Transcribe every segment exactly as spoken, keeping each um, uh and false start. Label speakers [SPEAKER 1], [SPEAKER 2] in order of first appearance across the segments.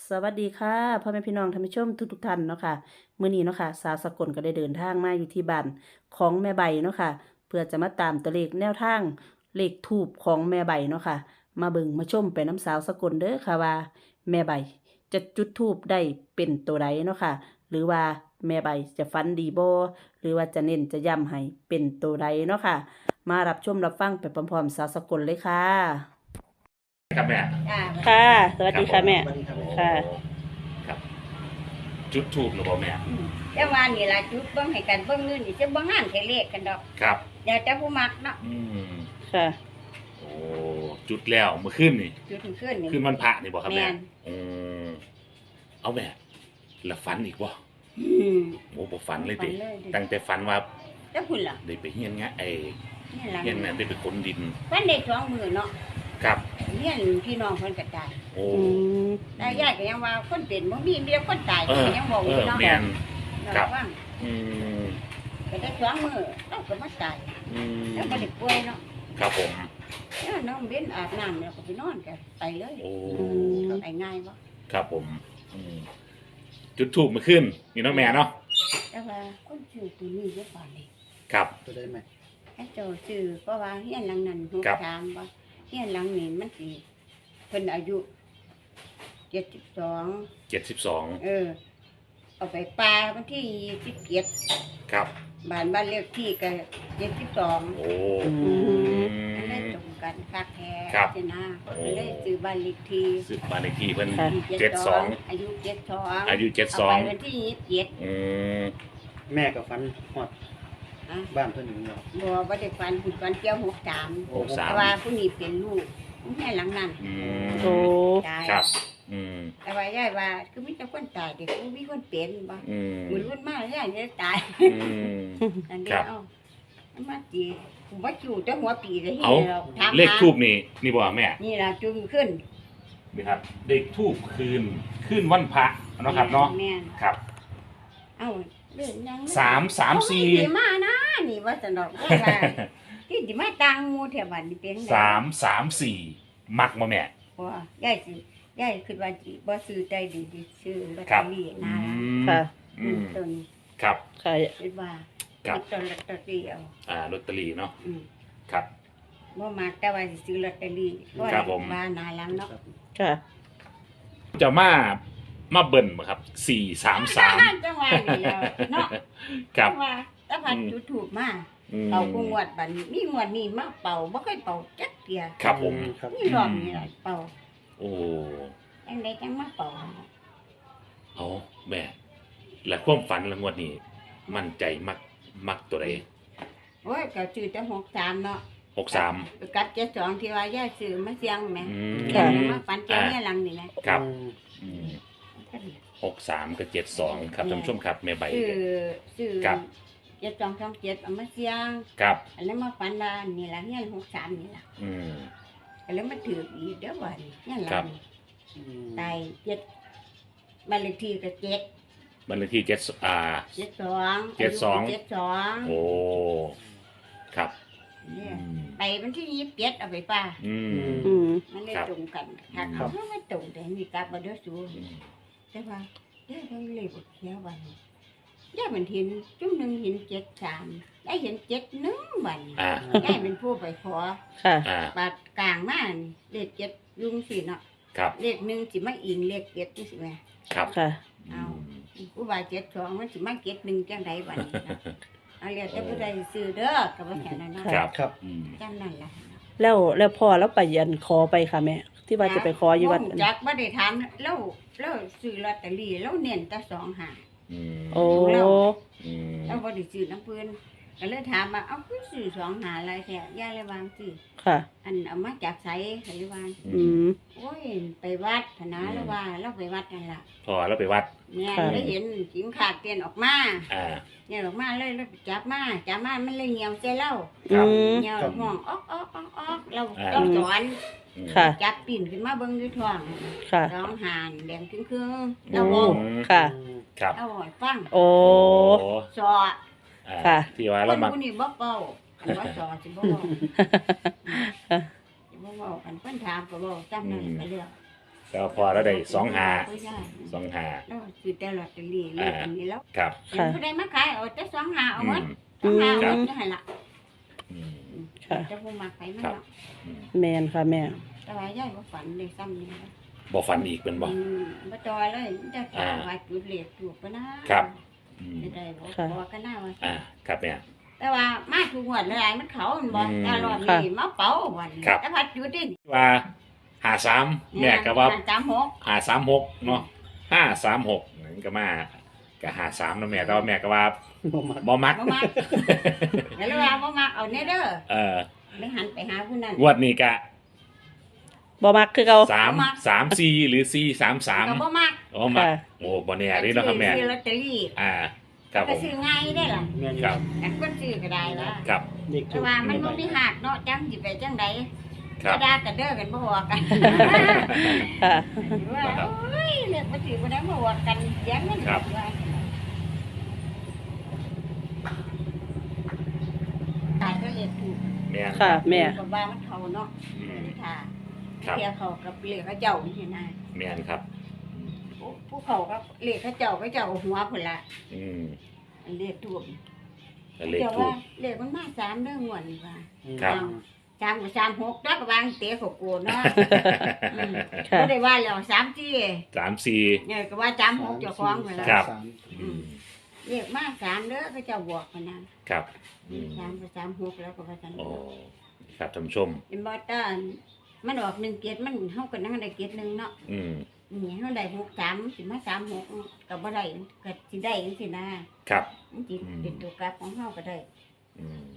[SPEAKER 1] สวัสดีค่ะพ่อแม่พี่น้องท่านผู้ชมทุกทุกท่านเนาะค่ะมื้อนี้เนาะค่ะสาวสกลก็ได้เดินทางมาอยู่ที่บ้านของแม่ใบเนาะค่ะเพื่อจะมาตามตัวเลขแนวทางเลขทูปของแม่ใบเนาะค่ะมาเบิ่งมาชมไปน้ำสาวสกลเด้อค่ะว่าแม่ใบจะจุดทูปได้เป็นตัวใดเนาะค่ะหรือว่าแม่ใบจะฝันดีบ่หรือว่าจะเน้นจะย้ำให้เป็นตัวใดเนาะค่ะมารับชมรับฟังไปพร้อมๆสาวสกลเลยค่ะ
[SPEAKER 2] ครับแม่
[SPEAKER 3] จ้า
[SPEAKER 1] ค่ะสวัสดีค่ะแม่
[SPEAKER 2] โอ้
[SPEAKER 1] ค่ะ
[SPEAKER 2] ครับ จุดทูบหรือเปล่าแม่
[SPEAKER 3] อืมแต่ว่านี่ล่ะจุดเบิ่งให้กันเบิ่งนู่นนี่จะบ่งานแค่เลขกันดอก
[SPEAKER 2] ครับ
[SPEAKER 3] เดี๋ยวแต่ผู้มักเนาะ
[SPEAKER 2] อืม
[SPEAKER 1] ค่ะ
[SPEAKER 2] โอ้จุดแล้วเมื่อคืนนี่
[SPEAKER 3] จุดขึ้นนี่
[SPEAKER 2] คืนวันพระนี่บอกครับแม่
[SPEAKER 3] แม่น
[SPEAKER 2] อืมเอาแม่แล้วฝันอีกบ่
[SPEAKER 3] อืม
[SPEAKER 2] โอ้บ่ฝันเลยติ
[SPEAKER 3] ฝันเลยดิ
[SPEAKER 2] ตั้งแต่ฝันว่า
[SPEAKER 3] แล้วคุณล่ะ
[SPEAKER 2] ได้ไปเฮียนงะไอ้
[SPEAKER 3] นี่ล่ะ
[SPEAKER 2] เฮียนน่ะได้ไปขนดิน
[SPEAKER 3] ฝันได้สองมื้อเนาะ
[SPEAKER 2] ครับ
[SPEAKER 3] เรียนพี่น้องเพิ่นก็ตาย
[SPEAKER 2] โอ้
[SPEAKER 1] อืม
[SPEAKER 3] แต่ยายก็ยังว่าคนเป็นบ่มีมีแต่คนตาย
[SPEAKER 2] เออ
[SPEAKER 3] ก็ยังบอกอ
[SPEAKER 2] เอยู่ อ
[SPEAKER 3] เนาะ
[SPEAKER 2] แม่น ครับ
[SPEAKER 3] ระวัง
[SPEAKER 2] อืม
[SPEAKER 3] ก็ได้สองมื้อเราก็มาตาย
[SPEAKER 2] อืม
[SPEAKER 3] แล้วก็ได้ป่วยเนาะ
[SPEAKER 2] ครับผม
[SPEAKER 3] แล้วน้องเบ้นอาบน้ำแล้วก็ไปนอนกันไปเลย
[SPEAKER 2] โอ้
[SPEAKER 3] ไปง่ายบ่
[SPEAKER 2] ครับผมอืมจุดทูบเมื่อคืนนี่เนาะแม่เนาะ
[SPEAKER 3] แต่ว่าคนชื่อตัวนี้เยอะกว่านี่
[SPEAKER 2] ครับ
[SPEAKER 4] จะได้ไหม
[SPEAKER 3] ไอ้เจ้าชื่อเพราะว่าเฮียนหลังนั้นฮู้
[SPEAKER 2] ครับ
[SPEAKER 3] ถามว่าเฮียนหลังนี้มันสิเพิ่นอายุเจ็ดสิบสอง
[SPEAKER 2] เจ็ดสิบสอง
[SPEAKER 3] เออ เอาไปปลาวันที่ยี่สิบเจ็ด
[SPEAKER 2] ครับ
[SPEAKER 3] บ้านบ้านเลขที่ก็เจ็ดสิบสอง
[SPEAKER 2] โอ้
[SPEAKER 1] อืม
[SPEAKER 3] มันได้ตรงกันคักแท้
[SPEAKER 2] ครับ
[SPEAKER 3] ใช่นะมันได้ซื้อบ้านเลขที่
[SPEAKER 2] สืบบ้านเลขที่เพิ่น
[SPEAKER 1] ค่ะ
[SPEAKER 2] เจ็ดสอง
[SPEAKER 3] อายุเจ็ดสอง
[SPEAKER 2] อายุเจ็ดส
[SPEAKER 3] เอา
[SPEAKER 2] อง
[SPEAKER 3] ไปวันที่ยี่สิบเจ็ด
[SPEAKER 2] อืม
[SPEAKER 4] แม่กับฟันหอด
[SPEAKER 3] อ่ะ
[SPEAKER 4] บ้านเพื่อนอยู่เนาะ
[SPEAKER 3] บ่ว่าได้ฟันคุณฟันเกี่ยวหกสาม
[SPEAKER 2] หกสาม
[SPEAKER 3] แต่ว่าผู้นี้เป็นลูกแม่หลังนั้น
[SPEAKER 2] อื
[SPEAKER 1] โอ้
[SPEAKER 2] ม
[SPEAKER 3] ตาย
[SPEAKER 2] ครับ อืม
[SPEAKER 3] แต่ว่ายายว่าคือมีแต่คนตายเด็กมีคนเป็นบ่
[SPEAKER 2] อืม
[SPEAKER 3] มือรุ่นมากยายจะตาย
[SPEAKER 2] อืม
[SPEAKER 3] อัน
[SPEAKER 2] ครั
[SPEAKER 3] นี้
[SPEAKER 2] บ
[SPEAKER 3] เอาเอามาจีผมว่าจูแต่หัวปีเลย
[SPEAKER 2] เอา
[SPEAKER 3] เราถาม
[SPEAKER 2] เลข
[SPEAKER 3] หา
[SPEAKER 2] ทูบนี่ นี่บ่แม่
[SPEAKER 3] นี่ล่ะจุงขึ้น
[SPEAKER 2] นี่ครับ เลขทูบคืน คืนวันพระเนาะครับเนาะ
[SPEAKER 3] แม่น
[SPEAKER 2] ครับ
[SPEAKER 3] เอ้าเรื่องยัง
[SPEAKER 2] สามสามสี่
[SPEAKER 3] เอดีมานะนี่ว่าสนอกว่าว่าที่สิมาตังหมูแถวบ้านนี่เป็นไง
[SPEAKER 2] สามสามสี่มักมาแม่
[SPEAKER 3] ว่ายายสิยายคิดว่าสิบ่ซื้อใจดีสิซื้อลอต
[SPEAKER 2] ค
[SPEAKER 3] เต
[SPEAKER 2] รั
[SPEAKER 3] อบ รี่
[SPEAKER 2] อื
[SPEAKER 3] นะ
[SPEAKER 2] ม
[SPEAKER 1] ค่ะ
[SPEAKER 2] อืม
[SPEAKER 3] ต้น
[SPEAKER 2] ครับ
[SPEAKER 1] ค่ะ
[SPEAKER 3] คิดว่า
[SPEAKER 2] ครับ
[SPEAKER 3] ต้นลอตเตอรี่เอา
[SPEAKER 2] อ่าลอตเตอรี่เนาะ
[SPEAKER 3] อืม
[SPEAKER 2] ครับ
[SPEAKER 3] บ่มักแต่ว่าสิซื้อลอตเตอรี่เพราะ
[SPEAKER 2] ครับผม
[SPEAKER 3] ว่าหนาหลังเนาะ
[SPEAKER 1] ค่ะ
[SPEAKER 2] จะมา มาเบิ่นบ่ครับ สี่สามสาม
[SPEAKER 3] จังหวะนี่แล้วเนาะ
[SPEAKER 2] ครับ
[SPEAKER 3] จังหวะถ้าพันจุดถูกมา
[SPEAKER 2] อืม
[SPEAKER 3] เป่ากูงวดบัดนี้มีงวดนี้มาเป่าบ่เคยเป่าจักเที่ย
[SPEAKER 2] ครับผม
[SPEAKER 4] ครับ
[SPEAKER 3] นี่รอบนี้ล่ะเป่า
[SPEAKER 2] โอ้
[SPEAKER 3] จังไดจังมาเป่า
[SPEAKER 2] เอาแม่ และความฝันละงวดนี้ มั่นใจมัก มักตัวใด
[SPEAKER 3] โอ้ยก็ซื้อแต่หกสามเนาะ
[SPEAKER 2] หกสาม
[SPEAKER 3] กับเจ็ดสองที่ว่าย่าซื้อมาเสียงแหม่
[SPEAKER 2] อืม
[SPEAKER 3] เสียงมาฝันเจ้าเนี่ยหลังนี่นะครับ
[SPEAKER 2] อืมหกสามกับเจ็ดสองครับท่านผู้ชมครับแม่ใบ
[SPEAKER 3] ซื้อซื้อ
[SPEAKER 2] ครับ
[SPEAKER 3] เจ็ดสองสองเจ็ดเอามาเสียง
[SPEAKER 2] ครับ
[SPEAKER 3] อันนั้นมาฝันว่านี่ล่ะเนี่ยหกสามนี่ล่ะ
[SPEAKER 2] อืม
[SPEAKER 3] อันนั้นมาถืออีกเด้อบ่นี่เนี่ยหลั
[SPEAKER 2] ครั
[SPEAKER 3] ง
[SPEAKER 2] บ
[SPEAKER 3] นี่ตายเจ็ดบ้านเลขที่ก็เจ็ด
[SPEAKER 2] บันเลขที่เจ็ดอ่า
[SPEAKER 3] เจ็ดสอง
[SPEAKER 2] เจ็ดสอง
[SPEAKER 3] เจ็ดสอง
[SPEAKER 2] โอ้ ครับ
[SPEAKER 3] เนี่ย
[SPEAKER 2] อืม
[SPEAKER 3] ไปวันที่ยี่สิบเจ็ดเอาไปป่า
[SPEAKER 2] อืม
[SPEAKER 1] อืม
[SPEAKER 3] มันเลย
[SPEAKER 2] ครับ
[SPEAKER 3] ตรงกันถ้า
[SPEAKER 2] ครั
[SPEAKER 3] เขา
[SPEAKER 2] บ
[SPEAKER 3] ไม่ตรงแต่มีกลับมาเด้อสู
[SPEAKER 2] อืม
[SPEAKER 3] ใช่ป่ะย่าต้องเลยบอกเสียวันย่ามันเห็นจุ่มหนึ่งเห็นเจ็ดสามได้เห็นเจ็ดหนึ่งวัน
[SPEAKER 2] อ่า
[SPEAKER 3] ย่าเป็นผู้ไปขอ
[SPEAKER 1] ค่ะ
[SPEAKER 2] อ่า
[SPEAKER 3] ปาดกลางมานี่เลขเจ็ดลุงสิเนาะ
[SPEAKER 2] ครับ
[SPEAKER 3] เลขหนึ่งสิมาอิงเลขเจ็ดนี่สิแม่
[SPEAKER 2] ครับ
[SPEAKER 1] ค่ะ
[SPEAKER 3] เอา ผู้ว่าเจ็ดสองมันสิมาเจ็ดหนึ่งจังไดวันนี้นะเอาเรียกแต่ผู้ใดซื้อเด้อกับว่าแค่นั้นเนาะ
[SPEAKER 2] ครับ
[SPEAKER 4] ครับ
[SPEAKER 2] อืม
[SPEAKER 3] จำนั่นล่ะ
[SPEAKER 1] แล้วแล้วพอแล้วไปยันขอไปค่ะแม่ ที่ว่าจะไปขออยู่วัด
[SPEAKER 3] บ่รู้จักบ่ได้ถามแล้วแล้วซื้อลอตเตอรี่แล้วเน้นแต่สองหา
[SPEAKER 2] อืม
[SPEAKER 1] โอ้
[SPEAKER 2] อืม
[SPEAKER 3] แล้วบ่ได้ซื้อน้ำเพิ่นก็เลยถามว่าเอ้าคือซื้อสองหาอะไรแท้ย่าเลยวางสิ
[SPEAKER 1] ค่ะ
[SPEAKER 3] อันเอามาจากไสก็เลยวาง
[SPEAKER 1] อืม
[SPEAKER 3] โอ้ยไปวัดพะนะแล้วว่าเราไปวัดนั่นล่ะ
[SPEAKER 2] พอแล้วไปวัด
[SPEAKER 3] แม่
[SPEAKER 1] ค่ะ
[SPEAKER 3] เลยเห็นสิงขาดเตียนออกมา
[SPEAKER 2] อ่า
[SPEAKER 3] เนี่ยออกมาเลยแล้วไปจับมาจับมามันเลยเหี่ยวใส่เรา
[SPEAKER 2] ครั
[SPEAKER 1] อื
[SPEAKER 2] บ
[SPEAKER 1] ม
[SPEAKER 3] เหี่ยว
[SPEAKER 4] ครับ
[SPEAKER 3] ห้องออกออกออกออกเรา
[SPEAKER 2] อ่า
[SPEAKER 3] เราสอน
[SPEAKER 2] อืม
[SPEAKER 1] ค่ะ
[SPEAKER 3] จับปิ่นขึ้นมาเบิ่งอยู่ท้อง
[SPEAKER 1] ค่ะ
[SPEAKER 3] ร้องหานแดงครึ่งๆเราบอก
[SPEAKER 2] อืม
[SPEAKER 1] ค่ะ
[SPEAKER 2] ครับ
[SPEAKER 3] เราบอกให้ฟัง
[SPEAKER 1] โอ้
[SPEAKER 2] โอ้
[SPEAKER 3] สอ
[SPEAKER 2] อ่า
[SPEAKER 1] ค่ะ
[SPEAKER 2] ที่ว่า
[SPEAKER 3] ค
[SPEAKER 2] เรา
[SPEAKER 3] น
[SPEAKER 2] มัก
[SPEAKER 3] ผู้นี้บ่เป่าอันว่าสอสิบ่เว้าสิบ่เว้าอันเพิ่นถามก็บ่จำนั่นไปเรื่อย
[SPEAKER 2] แต่ว่าพอแล้วได้สองหา
[SPEAKER 3] ผู้ชาย
[SPEAKER 2] สองหา
[SPEAKER 3] แล้วซื้อแต่ลอตเตอรี่เลขอันนี้แล้ว
[SPEAKER 2] ครับ
[SPEAKER 3] เห็นผู้ใดมาขายเอาแต่สองหาเอาหมด
[SPEAKER 2] อืม
[SPEAKER 3] สองหา
[SPEAKER 2] ครั
[SPEAKER 3] เอา
[SPEAKER 2] บ
[SPEAKER 3] จะให้ละ
[SPEAKER 2] อืม
[SPEAKER 1] ค่ะ
[SPEAKER 3] แต่ผู้มาขายมัน
[SPEAKER 2] ครับ
[SPEAKER 3] เนาะ
[SPEAKER 2] อืม
[SPEAKER 1] แมนค่ะแม่
[SPEAKER 3] แต่ว่ายายบ่ฝันเลยซ้ำนี่นะ
[SPEAKER 2] บ่ฝันอีกเป็นบ่
[SPEAKER 3] อืมบ่จอยเลยแต่ข่าวว่าจุดเลขถูกปะนะครับ
[SPEAKER 2] อืม
[SPEAKER 3] จะได้บ่
[SPEAKER 1] ค่ะ
[SPEAKER 3] บ่กันหน้าว่า
[SPEAKER 2] อ่าครับแม่
[SPEAKER 3] แต่ว่ามาทุกงวดหลายๆมันเขามันบ่
[SPEAKER 2] อืม
[SPEAKER 3] แต่รอบนี้มาเป๋าวันนี้
[SPEAKER 2] ครับ
[SPEAKER 3] แต่พัดจุดดิ
[SPEAKER 2] ว่าหาสามแม่ก็ว่า
[SPEAKER 3] จามหก
[SPEAKER 2] หาสามหกเนาะห้าสามหกนั่นก็มาก็หาสามเนาะแม่แต่ว่าแม่ก็ว่า
[SPEAKER 4] บ่มัก
[SPEAKER 2] บ่มัก
[SPEAKER 3] บ่มักแล้วเลยว่าบ่มักเอาแน่เด้อ
[SPEAKER 2] เออ
[SPEAKER 3] เลยหันไปหาผู้นั้น
[SPEAKER 2] งวดนี้ก็
[SPEAKER 1] บ่มักคือเก่า
[SPEAKER 2] สามสามสี่หรือสี่สามสาม
[SPEAKER 3] ก็บ่มัก
[SPEAKER 2] โอ้มัก
[SPEAKER 1] ค่ะ
[SPEAKER 2] โอ้บ่แน่นี่เนาะครับแม่
[SPEAKER 3] ซื้อลอตเตอรี่
[SPEAKER 2] อ่าครับผ
[SPEAKER 3] ก็
[SPEAKER 2] ม
[SPEAKER 3] ซื้อง่ายได้ล่ะ
[SPEAKER 4] แม่น
[SPEAKER 2] ครับ
[SPEAKER 3] แต่คนซื้อก็ได้ล่ะ
[SPEAKER 2] ครับ
[SPEAKER 4] เด็ก
[SPEAKER 3] แต่ว่ามันบ่มีหักเนาะจังสิไปจังได๋
[SPEAKER 2] ครับ
[SPEAKER 3] ก็ด่ากันเด้อกันบ่ว่ากัน
[SPEAKER 1] ค่ะ
[SPEAKER 3] ว่าโอ้ยเรียกบ่ถือบ่ได้บ่ว่ากันเสียงมัน
[SPEAKER 2] ครับ
[SPEAKER 3] ว่าตายก็เรียกถูก
[SPEAKER 2] แม่น
[SPEAKER 1] ค่ะแม่
[SPEAKER 3] ก็ว่ามันเขาเนาะ
[SPEAKER 2] อืม
[SPEAKER 3] ค่ะ
[SPEAKER 2] ครับ
[SPEAKER 3] เรียกเขากับเรียกเขาเจ้านี่นะ
[SPEAKER 2] แม่นครับ
[SPEAKER 3] ผู้ผู้เขาก็เรียกเขาเจ้าเขาเจ้าเอาหัวพุ่นละ
[SPEAKER 2] อืม
[SPEAKER 3] เรียกถูก
[SPEAKER 2] ก็เลข
[SPEAKER 3] เดี๋ยว
[SPEAKER 2] ถู
[SPEAKER 3] ว่าก เรียกมันมาสามเด้องวดนี่ว่า
[SPEAKER 2] ครับ
[SPEAKER 3] สามกับสามหกแล้วก็วางเตะเขาโกนเนาะอืม
[SPEAKER 1] ค่ะ
[SPEAKER 3] บ่ได้ว่าแล้วสามสี่
[SPEAKER 2] สามสี่
[SPEAKER 3] เนี่ยก็ว่าสามหกเจ้าของพุ่นละ
[SPEAKER 2] ครับ
[SPEAKER 4] สาม
[SPEAKER 2] อืม
[SPEAKER 3] เรียกมาสามเด้อเขาเจ้าบอกกันนะครับ
[SPEAKER 2] อืม
[SPEAKER 3] สามกับสามหกแล้วก็ว่าจัง
[SPEAKER 2] โอ้ครับท่านผู้ชม
[SPEAKER 3] เป็นบ่ต้านมันออกหนึ่งเกียรติมันเฮาก็นั่งได้เกียรติหนึงเนาะ
[SPEAKER 2] อืม
[SPEAKER 3] นี่เฮาได้หกสามสิมาสามหกก็บ่ได้ก็สิได้จังซี่นะครับ มันสิ
[SPEAKER 2] อืม
[SPEAKER 3] เป็นตัวกลับของเฮาก็ได้
[SPEAKER 2] อืม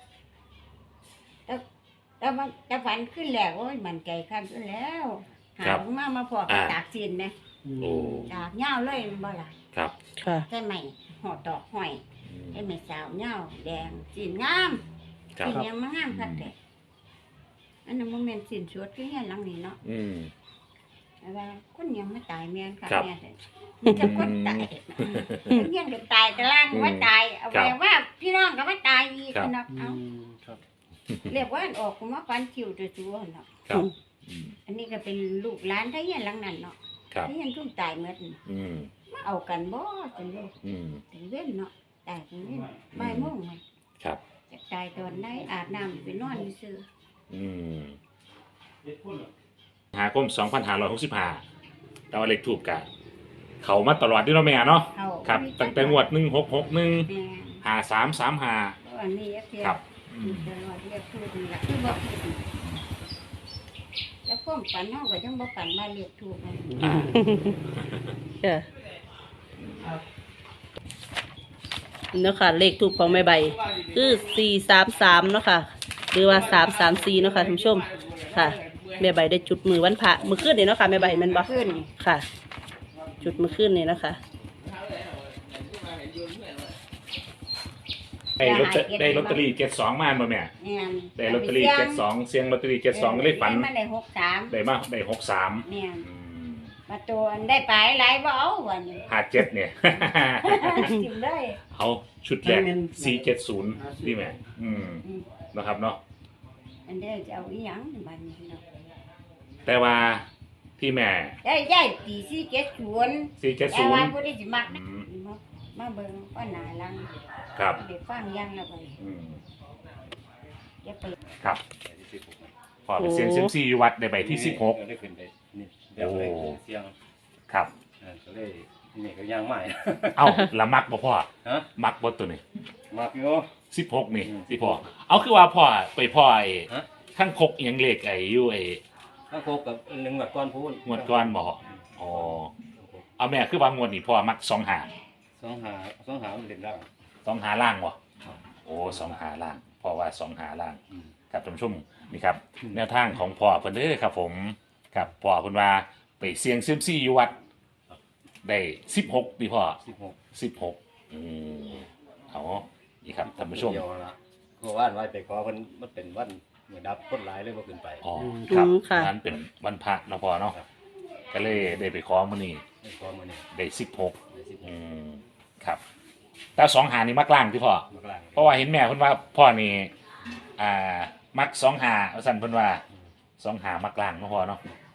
[SPEAKER 3] แต่มันแต่ฝันขึ้นแล้วโอ้ยมันใจคันขึ้นแล้ว หามามาพอกับตากสินนะ
[SPEAKER 2] โอ้
[SPEAKER 3] ตากเหย้าเลยมันบ่ล่ะ
[SPEAKER 2] ครับ
[SPEAKER 1] ค่ะ
[SPEAKER 3] ใช่ไหมหอดดอกห้อย
[SPEAKER 2] อืม
[SPEAKER 3] ไอ้แม่สาวเหย้าแดงสินงาม
[SPEAKER 2] ครับ
[SPEAKER 3] สินยังมางามคักแต่อันนั้นบ่แม่นสินสวดคือเฮียนหลังนี้เนาะ
[SPEAKER 2] อืม
[SPEAKER 3] แต่ว่าคนยังไม่ตายแม่นค่ะ
[SPEAKER 2] ครับ
[SPEAKER 3] แม่แต่มีแต่คนตายคนเฮียนก็ตายแต่ล่างว่าตายเอา
[SPEAKER 2] ครั
[SPEAKER 3] ไว้
[SPEAKER 2] บ
[SPEAKER 3] ว่าพี่น้องก็ว่าตายอีก
[SPEAKER 2] ครับ
[SPEAKER 3] เนาะ
[SPEAKER 4] อื
[SPEAKER 3] เอา
[SPEAKER 4] มครับ
[SPEAKER 3] เรียกว่าอันออกก็มาฟันคิวตัวตัวเนาะ
[SPEAKER 2] ครับอืม
[SPEAKER 3] อันนี้ก็เป็นลูกหลานที่เฮียนหลังนั้นเนาะ
[SPEAKER 2] ครับ
[SPEAKER 3] ที่เฮียนทุ่มตายหมดน่ะ
[SPEAKER 2] อืม
[SPEAKER 3] มาเอากันบ่จนลูก
[SPEAKER 2] อืม
[SPEAKER 3] ถึงเว้นเนาะตายถึงเว้นบ่ายโมงมัน
[SPEAKER 2] ครับ
[SPEAKER 3] จะตายตอนได้อาบน้ำไปนอนซื่อ
[SPEAKER 2] อืมหาคมสองพันห้าร้อยหกสิบห้าแต่ว่าเลขถูกกะเขามาตลอดด้วยเนาะแม่เนาะ
[SPEAKER 3] เขา
[SPEAKER 2] ครับตั้งแต่งวดหนึ่งหกหกหนึ่ง
[SPEAKER 3] แม่
[SPEAKER 2] หาสามสามหา
[SPEAKER 3] อันนี้เพีย
[SPEAKER 2] ครับอืม
[SPEAKER 3] ตลอดเรียกพูดนี่ล่ะคือบ่ถูกแล้วความฝันเฮาก็จังบ่ฝันมาเรียกถูกเลย
[SPEAKER 2] อ่า
[SPEAKER 1] ค่ะเนาะค่ะเลขถูกของแม่ใบ คือสี่สามสามเนาะค่ะ หรือว่าสามสามสี่เนาะค่ะท่านผู้ชม ค่ะ แม่ใบได้จุดมือวันพระมือขึ้นเนี่ยเนาะค่ะแม่ใบแมันบ่
[SPEAKER 3] ขึ้น
[SPEAKER 1] ค่ะ จุดมือขึ้นเนี่ยนะคะ
[SPEAKER 2] ได้ลอตเตอรี่ได้ลอตเตอรี่เจ็ดสองมาบ่แม่
[SPEAKER 3] แม่น
[SPEAKER 2] ได้ลอตเตอรี่เจ็ดสองเสียงลอตเตอรี่เจ็ดสองก็เลยฝัน
[SPEAKER 3] มันได้หกสาม
[SPEAKER 2] ได้มาได้หกสาม
[SPEAKER 3] แม่นมาตัวอันได้ไปหลายบ่เอาวันนี้
[SPEAKER 2] ห้าเจ็ดเนี่ย
[SPEAKER 3] กินได้
[SPEAKER 2] เอาชุดแรกสี่เจ็ดศูนย์นี่แม่อืม
[SPEAKER 3] อืม
[SPEAKER 2] นะครับเนาะ
[SPEAKER 3] อันเด้จะเอาอีหยังบัดนี้เนาะ
[SPEAKER 2] แต่ว่าที่แม่
[SPEAKER 3] ได้ได้ตีสี่เจ็ดศูนย์
[SPEAKER 2] สี่เจ็ด
[SPEAKER 3] แต่
[SPEAKER 2] ศูน
[SPEAKER 3] ว่า
[SPEAKER 2] ย์
[SPEAKER 3] บ่ได้สิมักนะมามาเบิ่งว่าหน้าหลัง
[SPEAKER 2] ครับ
[SPEAKER 3] ได้ฟังอยังแล้วบัดนี้
[SPEAKER 2] อืม
[SPEAKER 3] อย่าไป
[SPEAKER 2] ครับพอไปเสียงเซียมซีอยู่วัดได้ใบที่สิบหก
[SPEAKER 5] ได้ขึ้นได้นี่เดี๋ยวไปเสียง
[SPEAKER 2] ครับ
[SPEAKER 5] เออก็เลยนี่ก็ย่างใหม่
[SPEAKER 2] เอาละมักบ่พ่อ
[SPEAKER 5] ฮะ
[SPEAKER 2] มักบ่ตัวนี้
[SPEAKER 5] มากอยู่
[SPEAKER 2] สิบหกนี่
[SPEAKER 5] อืม
[SPEAKER 2] สิพ่อเอาคือว่าพ่อไปพ่อไอ้
[SPEAKER 5] ฮะ
[SPEAKER 2] ทั้งคกอิหยังเลขไอ้อยู่ไอ้
[SPEAKER 5] ถ้าโคกกับหนึ่งแบบก้อนพูน
[SPEAKER 2] งวดก่อนบ่อ๋อเอาแม่คือว่างวดนี้พ่อมักสองหา
[SPEAKER 5] สองหาสองหามันเด่นร่าง
[SPEAKER 2] สองหาล่างบ่โอ้สองหาล่างเพราะว่าสองหาล่าง
[SPEAKER 5] อืม
[SPEAKER 2] ครับท่านผู้ชมนี่ครับ
[SPEAKER 5] อืม
[SPEAKER 2] แนวทางของพ่อเพิ่นเด้อครับผมครับพ่อเพิ่นว่าไปเสี่ยงเซียมซีอยู่วัดได้สิบหกดีพ่อ
[SPEAKER 5] สิบหก
[SPEAKER 2] สิบหกอืมเอานี่ครับท่านผู้ชม
[SPEAKER 5] เดียวละเพราะว่านไว้ไปขอมันมันเป็นวันเหมือนดับคนหลายเลยว่าขึ้นไป
[SPEAKER 2] อ๋อครับ
[SPEAKER 1] อืมค่ะ
[SPEAKER 2] นั้นเป็นวันพระเนาะพ่อเนาะ
[SPEAKER 5] ครับ
[SPEAKER 2] ก็เลยได้ไปขอมื้อนี้
[SPEAKER 5] ไม่ขอมาเนี่ย
[SPEAKER 2] ได้สิบหก
[SPEAKER 5] ได้สิบห
[SPEAKER 2] อื
[SPEAKER 5] ก
[SPEAKER 2] มครับแต่สองหานี่มักล่างที่พ่อ
[SPEAKER 5] มากลาง
[SPEAKER 2] เพราะว่าเห็นแม่เพิ่นว่าพ่อนี่อ่ามักสองหาเอาสั่นเพิ่นว่าสองหามักล่างเนาะพ่อเนาะอ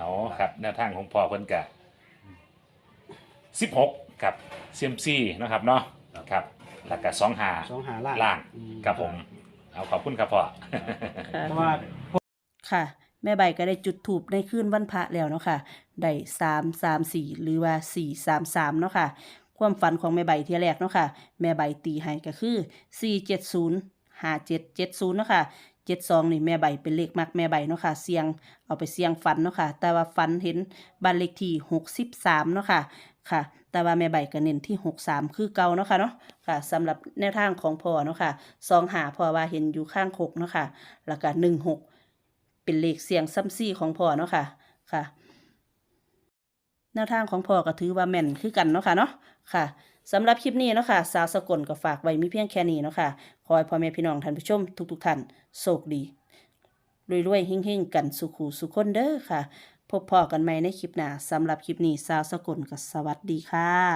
[SPEAKER 2] เอาครับแนวทางของพ่อเพิ่นกะสิบหกครับเซียมซีนะครับเนาะครับแล้วก็สองหา
[SPEAKER 4] สองหาล่าง
[SPEAKER 2] ล่าง
[SPEAKER 4] อืม
[SPEAKER 2] ครับผม เอาขอบคุณครับพ่อ
[SPEAKER 1] ค่ะ
[SPEAKER 4] เพราะว่า
[SPEAKER 1] ค่ะแม่ใบก็ได้จุดถูปในคืนวันพระแล้วเนาะค่ะได้สามสามสี่หรือว่าสี่สามสามเนาะค่ะความฝันของแม่ใบที่แรกเนาะค่ะแม่ใบตีให้ก็คือสี่เจ็ดศูนย์ห้าเจ็ดเจ็ดศูนย์เนาะค่ะเจ็ดสองนี่แม่ใบเป็นเลขมักแม่ใบเนาะค่ะเสียงเอาไปเสียงฝันเนาะค่ะแต่ว่าฝันเห็นบ้านเลขที่หกสิบสามเนาะค่ะค่ะ แต่ว่าแม่ใบก็เน้นที่หกสามคือเก่าเนาะค่ะเนาะค่ะสำหรับแนวทางของพ่อเนาะค่ะสองหาพ่อว่าเห็นอยู่ข้างหกเนาะค่ะแล้วก็หนึ่งหกเป็นเลขเสียงซ้ำซี่ของพ่อเนาะค่ะค่ะแนวทางของพ่อก็ถือว่าแม่นคือกันเนาะค่ะเนาะค่ะสำหรับคลิปนี้เนาะค่ะสาวสกลก็ฝากไว้มีเพียงแค่นี้เนาะค่ะขอให้พ่อแม่พี่น้องท่านผู้ชมทุกๆท่านโชคดีรวยๆเฮงๆกันสุขูสุขคนเด้อค่ะพบพ่อกันใหม่ในคลิปหน้าสำหรับคลิปนี้สาวสกลก็สวัสดีค่ะ